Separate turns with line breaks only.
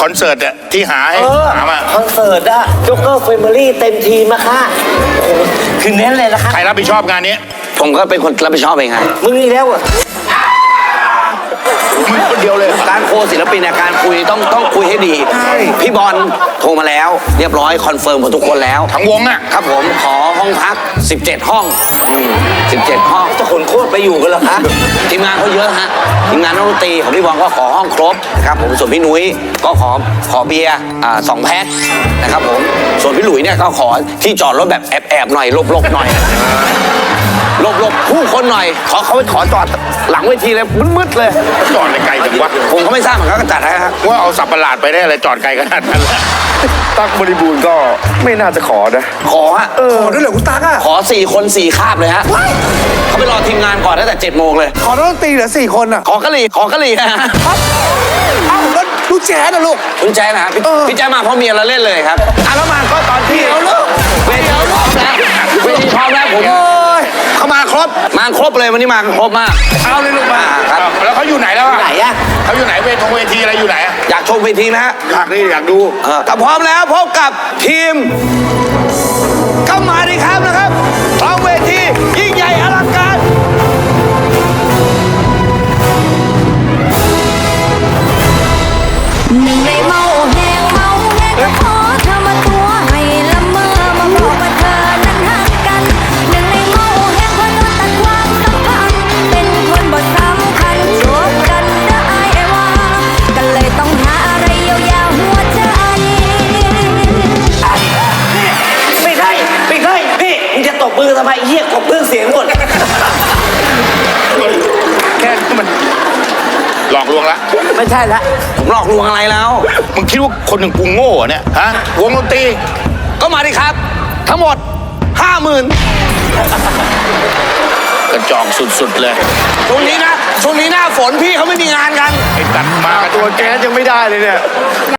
คอนเสิร์ตอะที่หาให้หามา
คอนเสิร์ตอะจ็อกเกอร์แฟมิลี่เต็มทีมอะค่ะคือเน้นเลยนะคะ
ใครรับผิดชอบงานนี้
ผมก็เป็นคนรับผิดชอบเองฮะ
มึงนี่แล้วอะ
มึงคนเดียวเลย
การโคศิลปินเนี่ยการคุยต้องคุยให้ดีพี่บอลโทรมาแล้วเรียบร้อยคอนเฟิร์มหมดทุกคนแล้ว
ทั้งวงอะ
ครับผมขอห้องพัก17ห้อง17ห้อง
จะขนโคตรไปอยู่กันเหรอคะ
ทีมงานเขาเยอะฮะทีมงานนักดนตรีของพี่บอลก็ขอห้องครบนะครับผมส่วนพี่นุ้ยก็ขอเบียร์2 แพ็คนะครับผมส่วนพี่หลุยเนี่ยก็ขอที่จอดรถแบบแอบๆหน่อยหลบๆหน่อยหลบผู้คนหน่อยเขาไปขอจอดหลังเวทีเลยมืดๆเลย
จอดในไกลจังวะ
ผมก็ไม่ทราบเหมือนกันก็จัดให้ครับ
ว่าเอาสับประหลาดไปได้อะไรจอดไกลขนาดนั้นล่ะ
ตั๊กบริบูรณ์ก็ไม่น่าจะขอนะ
ขอฮะ
ขอด้วยเหรอคุณตั๊กอ่ะ
ขอ4 คน4 คาบเลยฮะเขาไปรอทีมงานก่อนตั้งแต่7 โมงเลย
ขอนักดนตรีเหลือ4 คนอ่ะ
ขอกะหรี่นะฮะ
เอ้าแล้วลูกแจ๊ดนะลูก
คุณแจ๊คนะครับพี่แจ๊คมาเพราะเมียเราเล่นเลยครับแล้วมาก็ตอนที่เวทีพร้อมแล้วเวทีพร้อมแล้วผมเขามาครบเลยวันนี้มาครบมาก
เอาเลยลูกมา
ครับ
แล้วเขาอยู่ไหนแล้วอะ
ไหนอะ
เขาอยู่ไหนเวทีอะไรอยู่ไหนอะ
อยากชมเวทีไหมฮะ
อยากนี่อยากดู
ถ้าพร้อมแล้วพบกับทีมก็มาดิครับนะครับพร้อมเวทียิ่งใหญ่อลังการ
หนึ่งในเมาแหงก็ขอเธอมาตัวให้ละเมอมาบอกว่าเธอนั้นหักกันหนึ่งในเมาแหงคนตัดความสัมพันธ์เป็นคนบ่สำคัญจบกันได้ว่าก็เลยต้องหาอะไรเยียวยาหัวใจ
ไม่ใช่พี่มึงจะตบมือทำไมเหี้ยกบเพื่องเสียงหมด
แค่นี้มันหลอกลวงละ
ไม่ใช่ละ
ผมหลอกลวงอะไรแล้ว
มึงคิดว่าคนหนึ่งกูโง่เหรอเนี่ยฮะวงดนตรี
ก็มาดิครับ ทั้งหมด 50,000
กระจอกสุดๆเลย
ช่วงนี้หน้าฝนพี่เขาไม่มีงานกัน
ไอ้ตัดมา
ตัวแจ๊ดยังไม่ได้เลยเนี่ย